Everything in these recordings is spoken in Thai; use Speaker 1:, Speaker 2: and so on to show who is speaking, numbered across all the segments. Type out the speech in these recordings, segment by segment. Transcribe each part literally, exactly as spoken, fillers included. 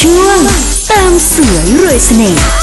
Speaker 1: ช่วงตามสวยรวยเสน่ห์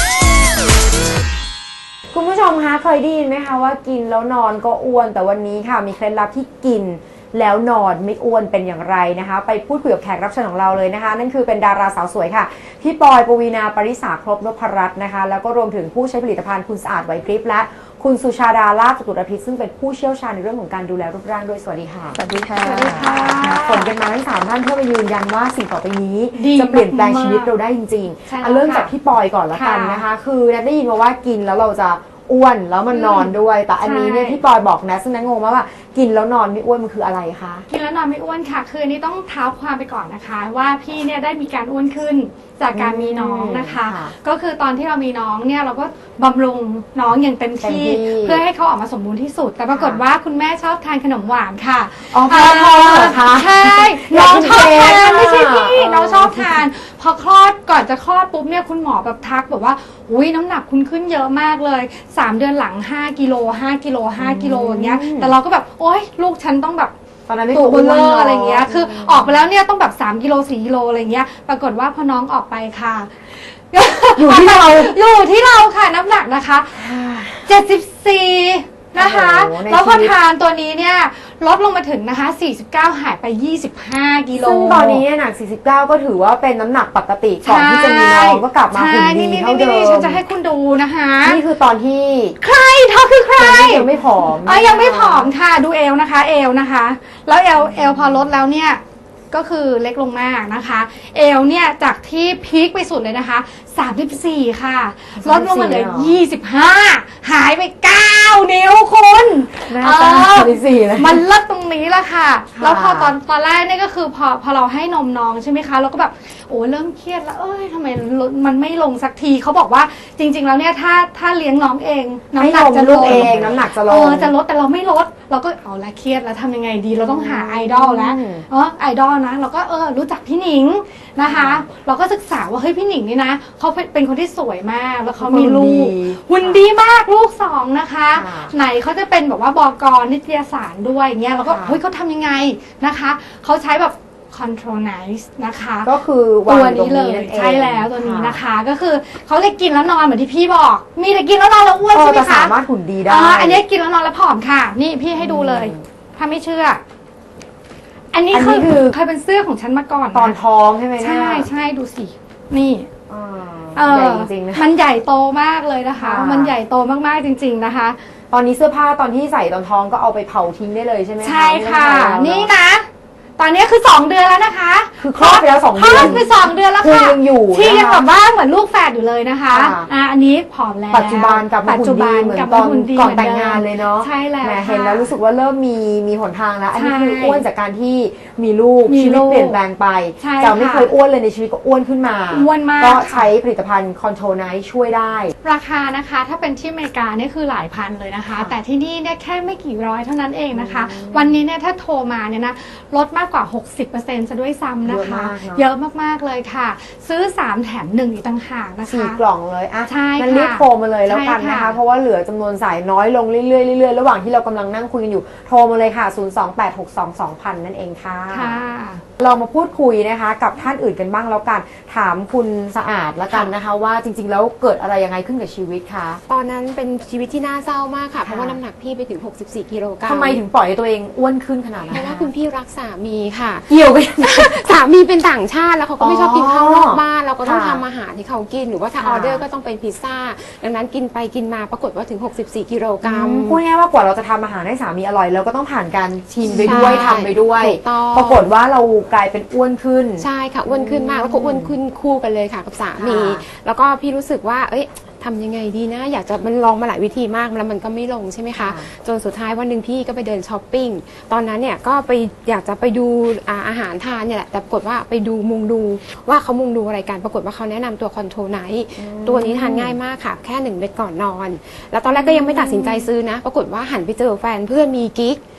Speaker 2: คุณผู้ชมคะเคยได้ยินไหมคะว่ากินแล้วนอนก็อ้วนแต่วันนี้ค่ะมีเคล็ดลับที่กินแล้วนอนไม่อ้วนเป็นอย่างไรนะคะไปพูดคุยกับแขกรับเชิญของเราเลยนะคะนั่นคือเป็นดาราสาวสวยค่ะพี่ปอยปวีณาปริษาครบนพรัตน์นะคะแล้วก็รวมถึงผู้ใช้ผลิตภัณฑ์คุณสะอาดไหวพริบและคุณสุชาดาลาภจตุรพิษซึ่งเป็นผู้เชี่ยวชาญในเรื่องของการดูแลรูปร่างด้วยสวัสดีค่ะสวัสดีค่ะสวัสดีค่ะผลกันมาทั้งสามท่านเพื่อมายืนยันว่าสิ่งต่อไปนี้จะเปลี่ยนแปลงชีวิตเราได้จริงๆเอาเริ่มจากพี่ปอยก่อนละกันนะคะคือนัทได้ยินมาว่ากินแล้วเราจะอ้วนแล้วมันนอนด้วยแต่อันนี้เนี่ยพี่ปอยบอกนะซึ่งนัทงงมากว่ากินแล้วนอนไม่อ้วนมันคืออะไรคะ
Speaker 3: กินแล้วนอนไม่อ้วนค่ะคืออันนี้ต้องเท้าความไปก่อนนะคะว่าพี่เนี่ยได้มีการอ้วนขึ้นจากการมีน้องนะคะก็คือตอนที่เรามีน้องเนี่ยเราก็บำรุงน้องอย่างเต็มที่เพื่อให้เขาออกมาสมบูรณ์ที่สุดแต่ปรากฏว่าคุณแม่ชอบทานขนมหวานค่ะ
Speaker 2: อ๋อพ่อพ่อเหรอคะ
Speaker 3: ใช่น้องชอบทานไม่ใช่พี่น้องชอบทานพอคลอดก่อนจะคลอดปุ๊บเนี่ยคุณหมอแบบทักแบบว่าอุ้ยน้ำหนักคุณขึ้นเยอะมากเลยสามเดือนหลังห้ากิโลห้ากิโลห้ากิโลอย่างเงี้ยแต่เราก็แบบโอ๊ยลูกฉันต้องแบบ
Speaker 2: ตอนนั้นไม่
Speaker 3: ตัวเบลออะไรเงี้ยคือออกไปแล้วเนี่ยต้องแบบสามกิโลสี่กิโลอะไรเงี้ยปรากฏว่าพอน้องออกไปค่ะ
Speaker 2: อยู่ที่เรา
Speaker 3: อยู่ที่เราค่ะน้ำหนักนะคะเจ็ดสิบสี่นะคะแล้วพอทานตัวนี้เนี่ยลดลงมาถึงนะคะสี่สิบเก้าหายไปยี่สิบห้ากิโล
Speaker 2: ซึ่งตอนนี้หนักสี่สิบเก้าก็ถือว่าเป็นน้ำหนักปกติก่อนที่จะมีน้องก็กลับมาหุ่นดีเท่าเดิม
Speaker 3: ฉันจะให้คุณดูนะคะ
Speaker 2: นี่คือตอนที่
Speaker 3: ใครเธอคือใคร
Speaker 2: ยังไม่ผอม
Speaker 3: อ๋อยังไม่ผอมค่ะดูเอวนะคะเอวนะคะแล้วเอวเอวพอลดแล้วเนี่ยก็คือเล็กลงมากนะคะเอวเนี่ยจากที่พีคไปสุดเลยนะคะสามสิบสี่ค่ะลดลงมาเหลือยี่สิบห้าหายไปเก้านิ้วคุณ
Speaker 2: เออ
Speaker 3: มันเลิศตรงนี้ละค่ะแล้วพอตอนตอนแรกนี่ก็คือพอพอเราให้นมน้องใช่ไหมคะเราก็แบบโอ้เริ่มเครียดแล้วเอ้ยทำไมมันไม่ลงสักทีเขาบอกว่าจริงๆแล้วเนี่ยถ้าถ้าเลี้ยงน้องเอง
Speaker 2: น้ำหนักจะลดเองน้ำหนักจะลด
Speaker 3: เออจะลดแต่เราไม่ลดเราก็เอาละเครียดแล้วทำยังไงดีเราต้องหาไอดอลแล้วเออไอดอลนะเราก็เออรู้จักพี่หนิงนะคะเราก็ศึกษาว่าเฮ้ยพี่หนิงนี่นะเขาเป็นคนที่สวยมากแล้วเขามีลูกหุ่นดีมากลูกสองนะคะไหนเขาจะเป็นแบบว่าบก.นิตยสารด้วยเงี้ยเราก็เฮ้ยเขาทำยังไงนะคะเขาใช้แบบ control nice นะคะ
Speaker 2: ก็คือ
Speaker 3: ตัวนี้เลยใช่แล้วตัวนี้นะคะก็คือเขาเลยกินแล้วนอนเหมือนที่พี่บอกมีแต่กินแล้วนอนแล้วอ้วนใช่ไหมคะ
Speaker 2: สามารถหุ่นดีได้
Speaker 3: อันนี้กินแล้วนอนแล้วผอมค่ะนี่พี่ให้ดูเลยถ้าไม่เชื่ออันนี้คือเคยเป็นเสื้อของฉันมาก่อน
Speaker 2: ตอนท้องใช่ไหม
Speaker 3: ใช่ใช่ดูสินี่
Speaker 2: ใหญ่จริงๆนะ
Speaker 3: มันใหญ่โตมากเลยนะคะมันใหญ่โตมากๆจริงๆนะคะ
Speaker 2: ตอนนี้เสื้อผ้าตอนที่ใส่ตอนท้องก็เอาไปเผาทิ้งได้เลยใช่ไหม
Speaker 3: ใช่ค่ะนี่นะตอนนี้คือสองเดือนแล้วนะคะ
Speaker 2: คือคลอดไปแล้วสองเดือน
Speaker 3: คลอดไปสองเดือนแล้วค่ะ
Speaker 2: ยังอยู่
Speaker 3: ที่ยังแบบว่าเหมือนลูกแฝดอยู่เลยนะคะอ่าอันนี้ผอมแล้ว
Speaker 2: ปัจจุบันกับหุ่นดีเหมือนตอนก่อนแต่งงานเลยเนาะ
Speaker 3: ใช่แล้ว
Speaker 2: เห็นแล้วรู้สึกว่าเริ่มมีมีหนทางแล้วอันนี้คืออ้วนจากการที่มีลูกชีวิตเปลี่ยนแปลงไปจากไม่เคยอ้วนเลยในชีวิตก็อ้วนขึ้นมา
Speaker 3: อ้วนมาก
Speaker 2: ก็ใช้ผลิตภัณฑ์คอนโทรไนท์ช่วยได้
Speaker 3: ราคานะคะถ้าเป็นที่อเมริกาเนี่ยคือหลายพันเลยนะคะแต่ที่นี่เนี่ยแค่ไม่กี่ร้อยเท่านั้นเองนะคะวันนี้เนี่ยถ้าโทรมาเนี่ยนะลดมากกว่า หกสิบเปอร์เซ็นต์ จะด้วยซ้ำนะคะเยอะมากๆเลยค่ะซื้อสามแถมหนึ่งอีกต่างหากนะคะ
Speaker 2: สี่กล่องเลยอ่ะ
Speaker 3: ใช่ค่ะ
Speaker 2: งั้นรีบโทรมาเลยแล้วกันนะคะเพราะว่าเหลือจำนวนสายน้อยลงเรื่อยๆเรื่อยๆระหว่างที่เรากำลังนั่งคุยกันอยู่โทรมาเลยค่ะศูนย์ สอง แปด หก สอง สอง ศูนย์ ศูนย์ นั่นเองค่ะเรามาพูดคุยนะคะกับท่านอื่นกันบ้างแล้วกันถามคุณสะอาดแล้วกันนะคะว่าจริงๆแล้วเกิดอะไรยังไงขึ้นกับชีวิตคะ
Speaker 4: ตอนนั้นเป็นชีวิตที่น่าเศร้ามากค่ะเพราะว่าน้ำหนักพี่ไปถึงหกสิบสี่กิโลกรัม
Speaker 2: ทำไมถึงปล่อยให้ตัวเองอ้วนขึ้นขนาดนั้น
Speaker 4: เพราะว่าคุณพี่รักสามีค่ะ
Speaker 2: เกี่ยวกัน
Speaker 4: สามีเป็นต่างชาติแล้วเขาก็ไม่ชอบกินข้าวนอกบ้านเราก็ต้องทำอาหารให้เขากินหรือว่าถ้าออเดอร์ก็ต้องเป็นพิซซ่าดังนั้นกินไปกินมาปรากฏว่าถึงหกสิบสี่กิโลกรัม
Speaker 2: พูดง่ายๆว่ากว่าเราจะทำอาหารให้สามีอร่อยเราก็ต้องผ่านการชิมไปด้วยทำไปด้วยปรากฏว่าเรากลายเป็นอ้วนขึ้น
Speaker 4: ใช่ค่ะอ้วนขึ้นมากแล้วก็อ้วนขึ้นคู่กันเลยค่ะกับสามีแล้วก็พี่รู้สึกว่าเอ้ยทำยังไงดีนะอยากจะมันลองมาหลายวิธีมากแล้วมันก็ไม่ลงใช่ไหมคะจนสุดท้ายวันหนึ่งพี่ก็ไปเดินช้อปปิ้งตอนนั้นเนี่ยก็ไปอยากจะไปดูอาหารทานเนี่ยแหละแต่ปรากฏว่าไปดูมุงดูว่าเขามุงดูอะไรกันปรากฏว่าเขาแนะนำตัวคอนโทรไนท์ตัวนี้ทานง่ายมากค่ะแค่หนึ่งเม็ดก่อนนอนแล้วตอนแรกก็ยังไม่ตัดสินใจซื้อนะปรากฏว่าหันไปเจอแฟนเพื่อนมีกิ๊ก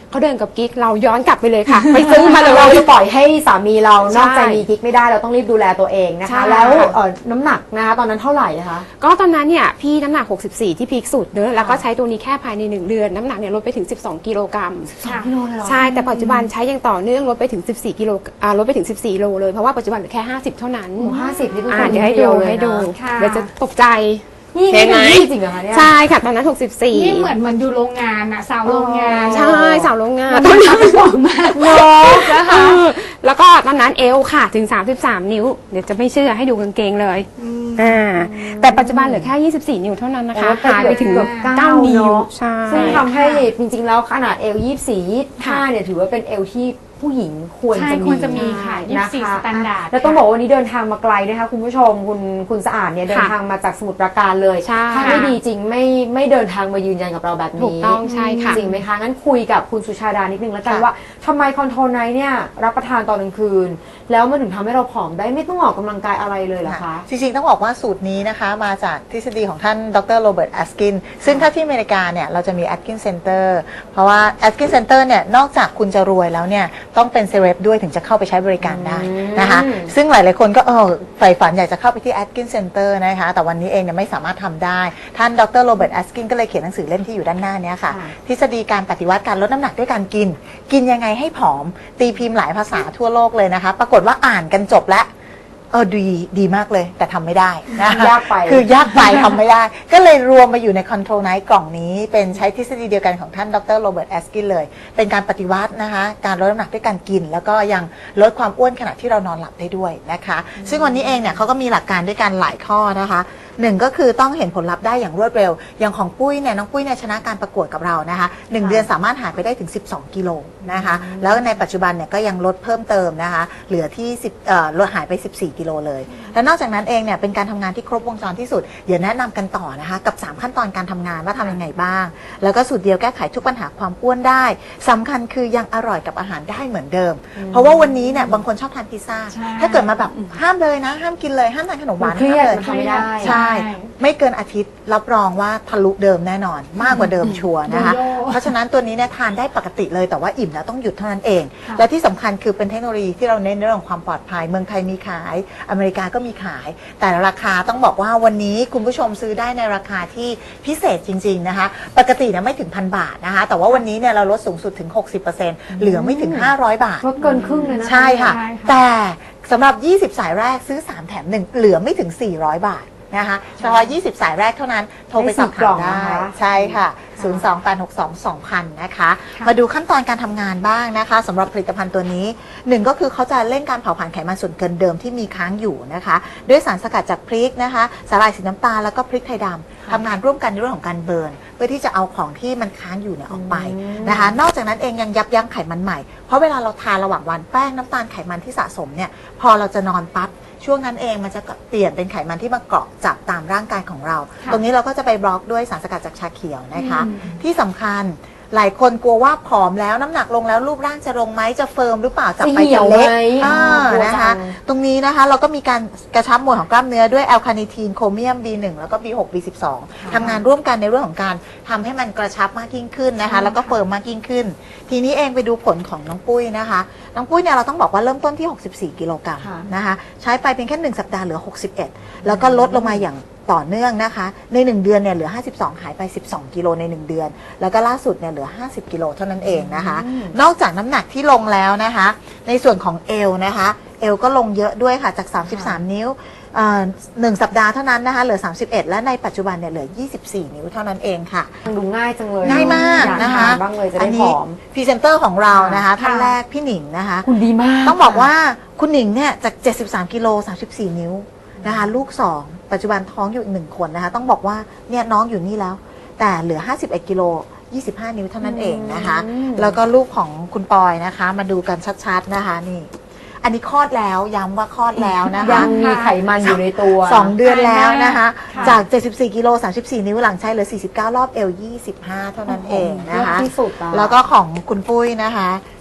Speaker 4: เขาเดินกับกิ๊กเราย้อนกลับไปเลยค่ะ ไปซื้อมาเลย
Speaker 2: เราจะปล่อยให้สามีเรานอกใจ
Speaker 4: ใช่
Speaker 2: มีกิ๊กไม่ได้เราต้องรีบดูแลตัวเองนะ
Speaker 4: ใช่
Speaker 2: คะแล้วเอ่อน้ำหนักนะคะตอนนั้นเท่าไหร่นะคะ
Speaker 4: ก็ตอนนั้นเนี่ยพี่น้ำหนักหกสิบสี่ที่พีคสุดเนอะแล้วก็ใช้ตัวนี้แค่ภายในหนึ่งเดือนน้ำหนักเนี่ยลดไปถึงสิบสองกิโลกรัม
Speaker 3: ค่ะ
Speaker 2: กิโลเลยเหรอ
Speaker 4: ใช่แต่ปัจจุบันใช้อย่างต่อเนื่องลดไปถึงสิบสี่กิโลอ่าลดไปถึงสิบสี่โลเลยเพราะว่าปัจจุบันเหลือแค่ห้าสิบเท่านั้น
Speaker 2: หมูห้าสิบนี่คือ
Speaker 4: อ่า
Speaker 2: คน
Speaker 4: เดี๋ยวให้
Speaker 2: เดี
Speaker 4: ดู
Speaker 2: ยวเลย
Speaker 4: ให้ดู
Speaker 2: นะ
Speaker 3: ค่ะ
Speaker 4: เดี๋ยวจะตกใจ
Speaker 2: นี่
Speaker 4: เห็
Speaker 2: นี่
Speaker 4: นไหม
Speaker 2: คือยี่จริงเหรอคะเนี่ย
Speaker 4: ใช่ค่ะตอนนั้นหกสิบสี่
Speaker 3: นี่เหมือนมันอยู่โรงงานอะสาวโรงงาน
Speaker 4: ใช่สาวโรงงาน
Speaker 3: มันต้องทำบอกมาก
Speaker 2: เนาะ
Speaker 3: นะคะ
Speaker 4: เออแล้วก็ตอนนั้นเอวค่ะถึงสามสิบสามนิ้วเดี๋ยวจะไม่เชื่อให้ดูกางเกงเลยอ่าแต่ปัจจุบันเหลือแค่ยี่สิบสี่นิ้วเท่านั้นนะคะ
Speaker 2: โอ้
Speaker 4: หายไปถึง
Speaker 2: เกือบเก้า
Speaker 4: เก้านิ้ว
Speaker 2: เนอะ
Speaker 4: ใช่
Speaker 2: ซึ่งทำให้จริงๆแล้วขนาดเอลยี่สี่ยี่ห้าเนี่ยถือว่าเป็นเอลที่ผู้หญิงควร
Speaker 3: ใช่
Speaker 2: จะมี
Speaker 3: ควรจะมีค่ะ
Speaker 2: น
Speaker 3: ยี่สิบสี่ standard
Speaker 2: แล้วต้องบอกว่าวันนี้เดินทางมาไกลนะคะคุณผู้ชมคุณคุณสะอาดเนี่ยเดินทางมาจากสมุทรปราการเลย
Speaker 4: ใช่
Speaker 2: ถ้าไม่ดีจริงไม่ไม่เดินทางมายืนยันกับเราแบบนี้
Speaker 4: ถูกต้องใช่ค่ะ
Speaker 2: จริงไหมคะงั้นคุยกับคุณสุชาดานิดนึงแล้วกัน
Speaker 5: ค่ะ
Speaker 2: ว่าทำไมคอนโทรไนท์เนี่ยรับประทานตอนกลางคืน แล้วมันถึงทำให้เราผอมได้ไม่ต้องออกกำลังกายอะไรเลยเหรอคะ
Speaker 5: จริงๆ ต้องบอกว่าสูตรนี้นะคะมาจากทฤษฎีของท่านดรโรเบิร์ตแอสกินซึ่งถ้าที่อเมริกาเนี่ยเราจะมีแอสกินเซ็นเตอร์เพราะว่าแอสกินเซ็นเตอร์เนี่ยนอกจากคุณจะรวยแล้วเนี่ยต้องเป็นเซเลบด้วยถึงจะเข้าไปใช้บริการได้นะคะ
Speaker 2: อืม
Speaker 5: ซึ่งหลายๆคนก็เออใฝ่ฝันอยากจะเข้าไปที่แอสกินเซ็นเตอร์นะคะแต่วันนี้เองเนี่ยไม่สามารถทำได้ท่านดรโรเบิร์ตแอสกินก็เลยเขียนหนังสือเล่มที่อยู่ด้านหน้าเนี้ค่ะทฤษฎีการปฏิวัติการลดน้ำหนักด้วยการกิน กินยังไงให้ผอมตีพิมพ์หลายภาษาทั่วโลกเลยนะคะปรากฏว่าอ่านกันจบแล้ว เออดีดีมากเลยแต่ทำไม่ได้นะ
Speaker 2: ยากไป
Speaker 5: คือยากไป ทำไม่ได้ ก็เลยรวมมาอยู่ใน Control Night กล่องนี้ เป็นใช้ทฤษฎีเดียวกันของท่านดรโรเบิร์ตแอสกินเลย เป็นการปฏิวัตินะคะการลดน้ำหนักด้วยการกิน แล้วก็ยังลดความอ้วนขณะที่เรานอนหลับได้ด้วยนะคะ ซึ่งวันนี้เองเนี่ยเขาก็มีหลักการด้วยกันหลายข้อนะคะหนึ่งก็คือต้องเห็นผลลัพธ์ได้อย่างรวดเร็ว อย่างของปุ้ยเนี่ยน้องปุ้ยเนี่ยชนะการประกวดกับเรานะคะหนึ่งเดือนสามารถหายไปได้ถึงสิบสองกิโลนะคะแล้วในปัจจุบันเนี่ยก็ยังลดเพิ่มเติมนะคะเหลือที่สิบเอ่อลดหายไปสิบสี่กิโลเลยและนอกจากนั้นเองเนี่ยเป็นการทำงานที่ครบวงจรที่สุดเดี๋ยวแนะนำกันต่อนะคะกับสามขั้นตอนการทำงานว่าทำยังไงบ้างแล้วก็สูตรเดียวแก้ไขทุกปัญหาความอ้วนได้สำคัญคือยังอร่อยกับอาหารได้เหมือนเดิม เพราะว่าวันนี้เนี่ยบางคนชอบทานพิซซ่า
Speaker 3: ใช่
Speaker 5: ถ้าเกิดมาแบบห้ามเลยนะห้ามกินเลยห้ามทานขนมหวาน
Speaker 2: มันเครียด
Speaker 5: ห้ามเลย
Speaker 2: มันทำไม่ได้
Speaker 5: ใช่ ไม่เกินอาทิตย์รับรองว่าทะลุเดิมแน่นอนมากกว่าเดิมชัวร์นะคะ
Speaker 3: โยโย่
Speaker 5: เพราะฉะนั้นตัวนี้เนี่ยทานได้ปกติเลยแต่ว่าอิ่มแล้วต้องหยุดเท่านั้นเอง
Speaker 3: ค่ะ
Speaker 5: และที่สำคัญคือเป็นเทคโนโลยีที่เราเน้นเรื่องของความปลอดภัยเมืองไทยมีขายอเมริกาก็มีขาย แต่ราคาต้องบอกว่าวันนี้คุณผู้ชมซื้อได้ในราคาที่พิเศษจริงๆนะคะปกติเนี่ยไม่ถึงพันบาทนะคะแต่ว่าวันนี้เนี่ยเราลดสูงสุดถึง หกสิบเปอร์เซ็นต์ เหลือไม่ถึงห้าร้อยบาท
Speaker 2: ลดเกินครึ่งเลยนะ
Speaker 5: ใช่ค่ะ
Speaker 3: ใช่ค่ะ
Speaker 5: แต่สำหรับ ยี่สิบ สายแรกซื้อ สาม แถม หนึ่ง เหลือไม่ถึง สี่ร้อยบาทนะคะเฉพาะ ยี่สิบ สายแรกเท่านั้น โทรไปสอบถามได้ ใช่ค่ะ ศูนย์ สอง แปด หก สอง สอง ศูนย์ ศูนย์ นะคะ มาดูขั้นตอนการทำงานบ้างนะคะสำหรับผลิตภัณฑ์ตัวนี้หนึ่งก็คือเขาจะเร่งการเผาผลาญไขมันส่วนเกินเดิมที่มีค้างอยู่นะคะด้วยสารสกัดจากพริกนะคะสาหร่ายสีน้ำตาลแล้วก็พริกไทยดำทำงานร่วมกันในเรื่องของการเบิร์นเพื่อที่จะเอาของที่มันค้างอยู่เนี่ยออกไปนะคะนอกจากนั้นเองยังยับยั้งไขมันใหม่เพราะเวลาเราทานระหว่างวันแป้งน้ำตาลไขมันที่สะสมเนี่ยพอเราจะนอนปั๊บช่วงนั้นเองมันจะเปลี่ยนเป็นไขมันที่มาเกาะจับตามร่างกายของเรา ตรงนี้เราก็จะไปบล็อกด้วยสารสกัดจากชาเขียวนะคะที่สำคัญหลายคนกลัวว่าผอมแล้วน้ำหนักลงแล้วรูปร่างจะลงไหมจะเฟิร์มหรือเปล่าจะไปจะเล็ก
Speaker 2: จะเหี่ยวไหม
Speaker 5: อ่า
Speaker 2: อ๋อกลัว
Speaker 5: นะคะ
Speaker 2: จัง
Speaker 5: ตรงนี้นะคะเราก็มีการกระชับมวลของกล้ามเนื้อด้วยแอลคาเนทีนโครเมียม บี หนึ่ง แล้วก็ บี หก บี สิบสอง ทำงานร่วมกันในเรื่องของการทำให้มันกระชับมากยิ่งขึ้นนะคะแล้วก็เฟิร์มมากยิ่งขึ้น ทีนี้เองไปดูผลของน้องปุ้ยนะคะน้องปุ้ยเนี่ยเราต้องบอกว่าเริ่มต้นที่หกสิบสี่กิโลกรัม
Speaker 2: ค่ะ
Speaker 5: นะคะใช้ไปเพียงแค่หนึ่งสัปดาห์เหลือหกสิบเอ็ดแล้วก็ลดลงมาอย่างต่อเนื่องนะคะในหนึ่งเดือนเนี่ยเหลือห้าสิบสองหายไปสิบสองกิโลในหนึ่งเดือนแล้วก็ล่าสุดเนี่ยเหลือห้าสิบกิโลเท่านั้นเองนะคะนอกจากน้ำหนักที่ลงแล้วนะคะในส่วนของเอวนะคะเอวก็ลงเยอะด้วยค่ะจากสามสิบสามนิ้วเอ่อหนึ่งสัปดาห์เท่านั้นนะคะเหลือสามสิบเอ็ดและในปัจจุบันเนี่ยเหลือยี่สิบสี่นิ้วเท่านั้นเองค่ะ
Speaker 2: ดูง่ายจังเลย
Speaker 5: ง่ายมาก
Speaker 2: อย
Speaker 5: นะคะ
Speaker 2: ทาบ้างเลยจะ
Speaker 5: อั
Speaker 2: ได้ผ
Speaker 5: นี้
Speaker 2: อม
Speaker 5: พรีเซนเตอร์ของเรานะคะ
Speaker 3: ค่ะ
Speaker 5: ท่านแรกพี่หนิงนะคะ
Speaker 2: คุณดีมาก
Speaker 5: ต้องบอกว่าคุณหนิงเนี่ยจากเจ็ดสิบสามกิโลสามสิบสี่นิ้วนะคะลูกสองปัจจุบันท้องอยู่อีกหนึ่งคนนะคะต้องบอกว่าเนี่ยน้องอยู่นี่แล้ว แต่เหลือห้าสิบเอ็ดกิโลยี่สิบห้านิ้วเท่านั้นเองนะคะแล้วก็ลูกของคุณปอยนะคะมาดูกันชัดๆนะคะนี่อันนี้คลอดแล้วย้ำว่าคลอดแล้วนะคะ
Speaker 2: ยังมีไขมันอยู่ในตัว
Speaker 5: สองเดือนแล้วนะคะ
Speaker 3: ค่ะ
Speaker 5: จาก เจ็ดสิบสี่กิโลสามสิบสี่นิ้วหลังใช้เหลือสี่สิบเก้ารอบเอวยี่สิบห้าเท่านั้นเองนะคะ
Speaker 2: เลิศที่สุดอะ
Speaker 5: แล้วก็ของคุณปุ้ยนะคะ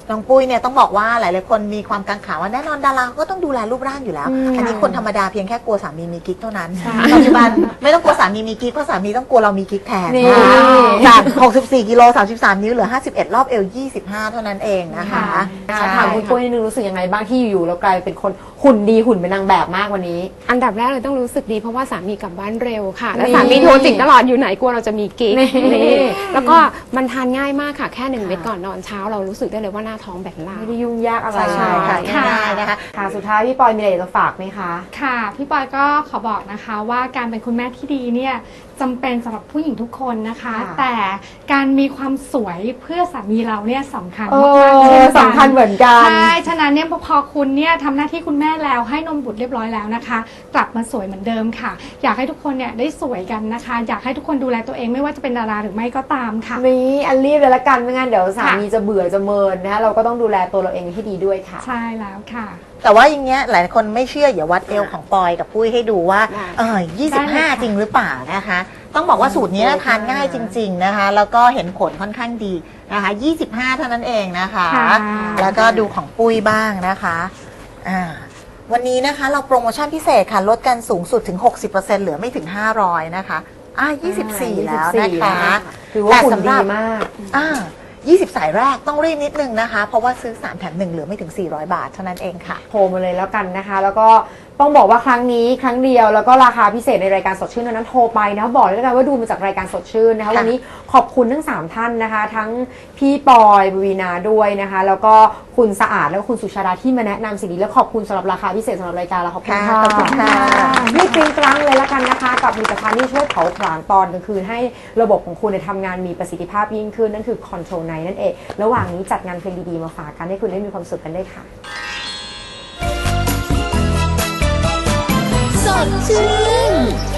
Speaker 5: น้องปุ้ยเนี่ยต้องบอกว่าหลายๆคนมีความกังขาว่าแน่นอนดาราก็ต้องดูแลรูปร่างอยู่แล้ว อันนี้คนธรรมดาเพียงแค่กลัวสามีมีกิ๊กเท่านั้นปัจจุบันไม่ต้องกลัวสามีมีกิ๊กเพราะสามีต้องกลัวเรามีกิ๊กแทนนะคะจากหกสิบสี่กิโลสามสิบสามนิ้วเหลือห้าสิบเอ็ดรอบเอวยี่สิบห้าเท่านั้นเองนะคะใช่
Speaker 2: ถามคุณปุ้ยนิดนึงรู้สึกยังไงบ้างที่อยู่ๆแล้วกลายเป็นคนหุ่นดีหุ่นเป็นนางแบบมากวันนี้
Speaker 4: อันดับแรกเลยต้องรู้สึกดีเพราะว่าสามีกลับบ้านเร็วค่ะ และ
Speaker 2: นี่
Speaker 4: สามีโทรจิกตลอดอยู่ไหนกลัวเราจะมีกิ๊ก
Speaker 2: นี่
Speaker 4: นี่แล้วก็มันทานง่ายมากค่ะแค่หนึ่งเม็ดก่อนนอนเช้าเรารู้สึกได้เลยว่าหน้าท้องแบนล่า
Speaker 2: ไม่ได้ยุ่งยากอะไร
Speaker 5: ใช่ค่ะ
Speaker 3: ค่ะ
Speaker 5: ง่ายๆนะคะ
Speaker 2: ค่ะสุดท้ายพี่ปอยมีอะไรจะฝากไหมคะ
Speaker 3: ค่ะพี่ปอยก็ขอบอกนะคะว่าการเป็นคุณแม่ที่ดีเนี่ยจำเป็นสำหรับผู้หญิงทุกคนนะคะ
Speaker 2: ค่ะ
Speaker 3: แต่การมีความสวยเพื่อสามีเราเนี่ยสำคัญ
Speaker 2: เอ
Speaker 3: มากๆเช่น
Speaker 2: อ
Speaker 3: กัน
Speaker 2: สำคัญเหมือนกัน
Speaker 3: ใช่ฉะนั้นเนี่ยพอพอคุณเนี่ยทำหน้าที่คุณแม่แล้วให้นมบุตรเรียบร้อยแล้วนะคะ กลับมาสวยเหมือนเดิมค่ะ อยากให้ทุกคนเนี่ยได้สวยกันนะคะ อยากให้ทุกคนดูแลตัวเองไม่ว่าจะเป็นดาราหรือไม่ก็ตามค่ะ
Speaker 2: นี่อันรีบเลยละกันไม่งั้นเดี๋ยวสามีจะเบื่อจะเมินนะคะเราก็ต้องดูแลตัวเราเองให้ดีด้วยค่ะ
Speaker 3: ใช่แล้วค่ะ
Speaker 5: แต่ว่าอย่างเงี้ยหลายคนไม่เชื่ออย่าวัดเอวของปอยกับปุ้ยให้ดูว่า
Speaker 4: ได้
Speaker 5: เออยี่สิบห้า
Speaker 3: ได้เลยค่ะ
Speaker 5: จริงหรือเปล่านะคะ ต้องบอกว่าสูตรนี้นะทานง่ายจริง ๆนะคะ แล้วก็เห็นผลค่อนข้างดีนะคะยี่สิบห้าเท่านั้นเองนะคะ
Speaker 3: ค่ะ
Speaker 5: แล้วก็ดูของปุ้ยบ้างนะคะอ่าวันนี้นะคะเราโปรโมชั่นพิเศษค่ะลดกันสูงสุดถึง หกสิบเปอร์เซ็นต์ เหลือไม่ถึง ห้าร้อย นะคะอ่ายี่สิบสี่ แล้วนะคะ
Speaker 2: ถือว่าหุ่น
Speaker 5: แต่สำห
Speaker 2: ดี
Speaker 5: รับ
Speaker 2: มาก
Speaker 5: อ่ายี่สิบ สายแรกต้องรีบนิดนึงนะคะ เพราะว่าซื้อ สาม แถม หนึ่ง เหลือไม่ถึง สี่ร้อย บาทเท่านั้นเองค่ะ
Speaker 2: โทรมาเลยแล้วกันนะคะ แล้วก็ต้องบอกว่าครั้งนี้ครั้งเดียวแล้วก็ราคาพิเศษในรายการสดชื่นเท่านั้นโทรไปนะบอกเลยแล้วกันว่าดูมาจากรายการสดชื่นนะคะ
Speaker 5: ค่ะ
Speaker 2: วันนี้ขอบคุณทั้งสามท่านนะคะ ทั้งพี่ปอยบวีนาด้วยนะคะ แล้วก็คุณสะอาดแล้วก็คุณสุชาดาที่มาแนะนำสิ่งนี้และขอบคุณสำหรับราคาพิเศษสำหรับรายการเราขอบคุณ
Speaker 5: ค่ะ
Speaker 2: ค่ะ
Speaker 5: ขอบคุณค่ะ
Speaker 2: นี่กริ้งกรังเลยละกันนะคะ กับผลิตภัณฑ์ที่ช่วยเผาผลาญตอนกลางคืนให้ระบบของคุณเนี่ยทำงานมีประสิทธิภาพยิ่งขึ้นนั่นคือ Control ไนน์ นั่นเองระหว่างนี้จัดงานเพลงดีๆมาฝากกันให้คุณได้มีความสุขกันด้วยค่ะ
Speaker 1: สดชื่น